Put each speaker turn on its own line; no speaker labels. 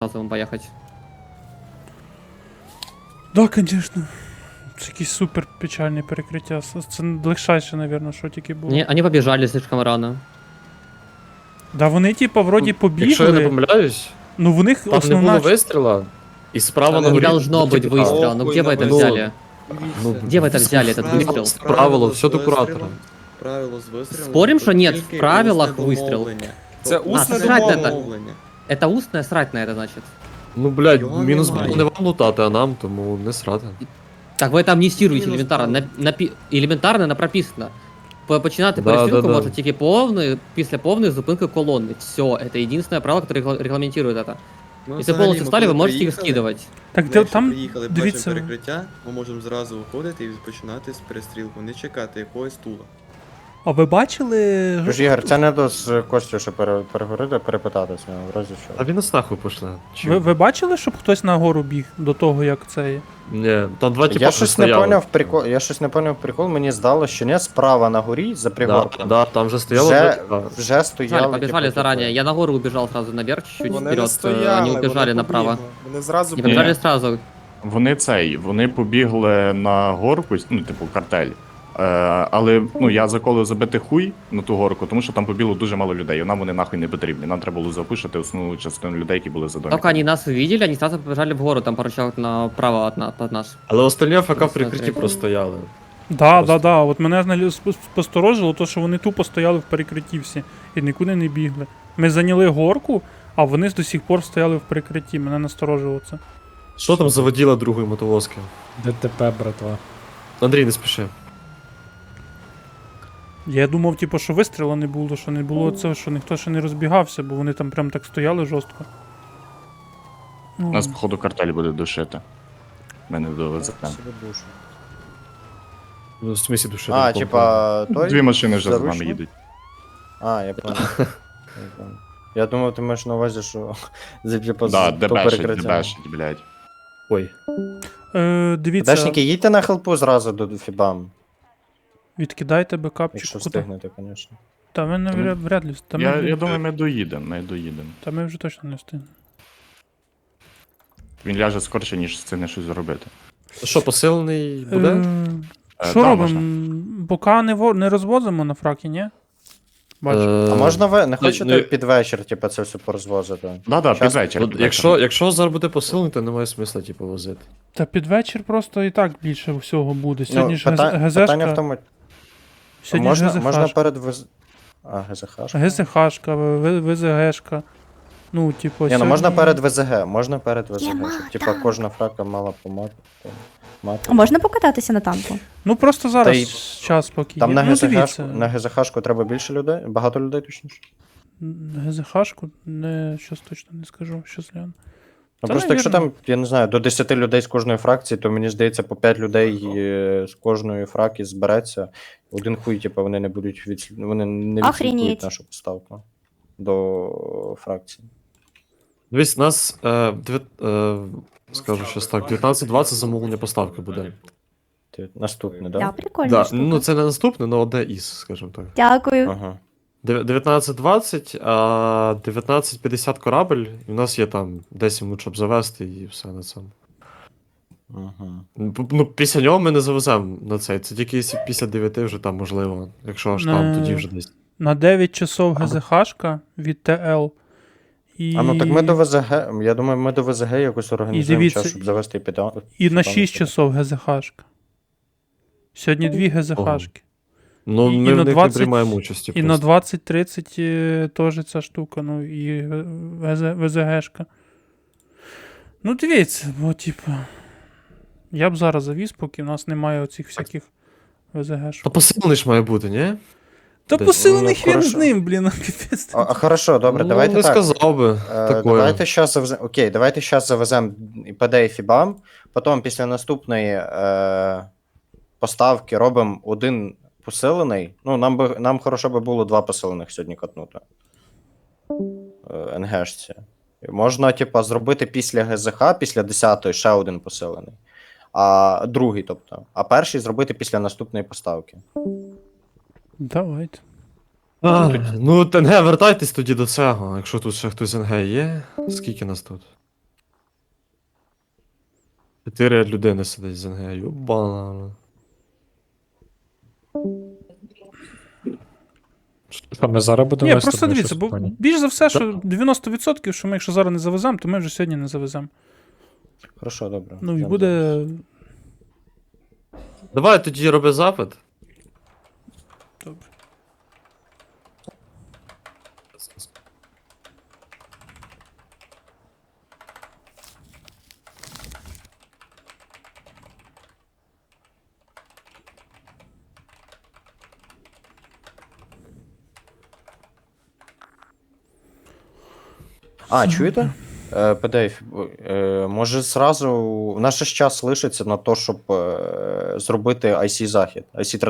разом поїхати.
Да, звісно. Це якесь супер печальне перекриття. Це легшайше, мабуть, що тільки було.
Вони побіжали слишком рано.
Да вони, типа, вроді
Якщо я не
побігли.
помиляюсь,
Ну в них
там не
основна...
було вистріла, і справа на
Не
горі...
должно быть
типу,
выстрела. Ну где вы это
ну,
взяли?
Ну,
Где вы это взяли, этот выстрел?
Правило, все до куратора.
Правило з вистрілом.
Спорим, що нет, в
тільки
правилах
усне
вистріл?
домовлення.
Це
Тобто
усне
срать на
домовлення.
Это устная срать на это, значит?
Ну, блядь,
Його
мінус
немає.
було не вам лутати, а нам, тому не срати.
Так вы это амнистируете
Мінус
елементарно. Елементарно на прописано. Починати
Да,
перестрілку
да, да.
може тільки після повної зупинки колонни. Все, это единственное правило, которое регламентирует это.
Ми
Если
взагалі,
полностью встали, вы
коли
можете их
приїхали,
скидывать.
Так
ми
де,
якщо
там,
приїхали,
дивіться,
бачимо перекриття, ми можемо зразу виходити і починати з перестрілку, не чекати якогось тула.
а ви бачили...
Тож, Ігор, це не до з Костю, щоб переговорити, перепитатися, в разі
А
що.
він нас нахуй пошле.
Ви бачили, щоб хтось на гору біг до того, як це є?
Ні, там два типа
Я щось не
стояли.
поняв прикол, прикол, мені здалося, що не справа на горі, за
Да,
пригорком.
да, там же стояло
Вже,
два типа.
вже стояли.
Побежали
типу,
заранее. Я на гору убежал сразу наверх, чуть-чуть
Вони
вперед.
не стояли,
Они убежали
вони
направо.
побігли. Вони зразу
Не
Ні.
побежали сразу.
Вони побігли на горку, ну, типу, картель. Але ну, я заколив забити хуй на ту горку, тому що там побігло дуже мало людей, і нам вони нахуй не потрібні. Нам треба було запушити основну частину людей, які були за домом.
Только они нас увидели, они сразу побежали в гору, там пару человек направо от нас.
Але остальні АФК в прикритті
Смотри.
простояли.
Да,
Просто.
да. От мене посторожило, то, що вони тупо стояли в перекритті всі і нікуди не бігли. Ми зайняли горку, а вони до сих пор стояли в перекритті. Мене насторожило це.
Що там заводіла другої мотовозки?
ДТП, братва.
Андрій, не спіши.
Я думав, типу, що вистріла не було, що не було цього, що ніхто ще не розбігався, бо вони там прям так стояли жорстко. Ну,
Нас, походу, картель буде душити. Мене довезе.
Ну, в смісі душі.
А, типа, той?
Дві машини вже з нами
Заручник?
їдуть.
А, я понял. Я думав, ти маєш на увазі, що типа,
Да,
то
дебешить,
перекриття.
дебешить, блядь.
Ой.
дивіться,
Дешники, їдьте на хелпу зразу до Фібам,
відкидайте бекапчик.
якщо
Куди?
встигнете, звісно.
Та ми не вряд ли. Та
Я думаю, ми доїдемо.
Та ми вже точно не встигнемо.
Він ляже скорше, ніж встигне щось зробити.
Що, посилений буде?
Що
да,
робимо? Бока не розвозимо на фракі, ні? Бачу.
А можна ви не хочете
ну,
під вечір, типа, це все порозвозити?
Да,
Щас-
під вечір.
От якщо зараз буде посилений, то немає смисла, типу, возити.
Та під вечір просто і так більше всього буде. Сьогодні ж
питання в
ГЗшка.
тому,
Сьогодні ж
можна
ГЗХшка.
перед ГЗХ?
ГЗХшка, ВЗГшка. Ну, типу,
Ні, ну можна
сьогодні-
перед ВЗГ, щоб типа кожна фрака мала по мати.
А можна покататися на танку?
Ну просто зараз
Та й-
час поки
Там
є.
на
Ну,
ГЗХ,
дивіться.
на ГЗХшку треба більше людей, багато людей точніше.
ГЗХшку, не, щось точно не скажу, що згляну.
Ну
Та,
просто якщо
навірно.
там, я не знаю, до 10 людей з кожної фракції, то мені здається, по 5 людей з кожної фраки збереться. Один хуй, типу, вони не будуть вони не
Охренеть.
відслідкують нашу поставку до фракції.
Дивись, у нас, скажу щось так, 19-20 замовлення поставки буде.
Наступне,
Да,
да?
прикольно.
Да, ну це не наступне, але одне із, скажімо так.
Дякую.
Ага.
19-20, а 19-50 корабель, і в нас є там 10 минут, щоб завести, і все на цьому.
Ага.
Ну, після нього ми не завеземо на цей. Це тільки якщо після 9 вже там можливо. Якщо аж там, тоді вже десь.
На 9 часов ГЗХшка від ТЛ. І...
А ну так ми до ВЗГ, я думаю, ми до ВЗГ якось організуємо
дивіться,
час, щоб завести піда.
І на 6 часов ГЗХшка. Сьогодні 2 ГЗХшки.
Ну,
і
ми
на
в них
20
не приймаємо участі.
І на
просто.
20-30 теж ця штука, ну і ВЗГшка. Ну, дивіться, бо, типу, я б зараз завіз, поки в нас немає оцих всяких
Та
ВЗГшок.
посилений ж має бути, ні?
Та
десь,
посилений
ну,
хрен з
хорошо.
ним, блін, капець.
А хорошо, добре,
Ну,
давайте
не
так.
сказав би. Такое.
Давайте зараз завеземо. Окей, давайте зараз завеземо ПД і Фібам. Потім після наступної поставки робимо один посилений. Ну, нам хорошо би було 2 посилених сьогодні катнути. НГшці. Можна, типа, зробити після ГЗХ, після 10-ї ще один посилений. А другий, тобто. А перший зробити після наступної поставки.
Давайте.
Ну, ТНГ, вертайтесь тоді до цього. Якщо тут ще хтось НГ є. Скільки нас тут? 4 людини сидить з НГ. Юбана.
Що ми зараз будемо
Ні,
вести,
просто
бо
дивіться,
щось
бо
поні.
більш за все, що 90%, що ми якщо зараз не завеземо, то ми вже сьогодні не завеземо.
Хорошо, добре.
Ну і
Йдемо
буде.
зараз.
Давай тоді роби запит.
Добре.
А, чуєте? PDF, може зразу. У нас ще ж час лишиться на те, щоб зробити IC захід, IC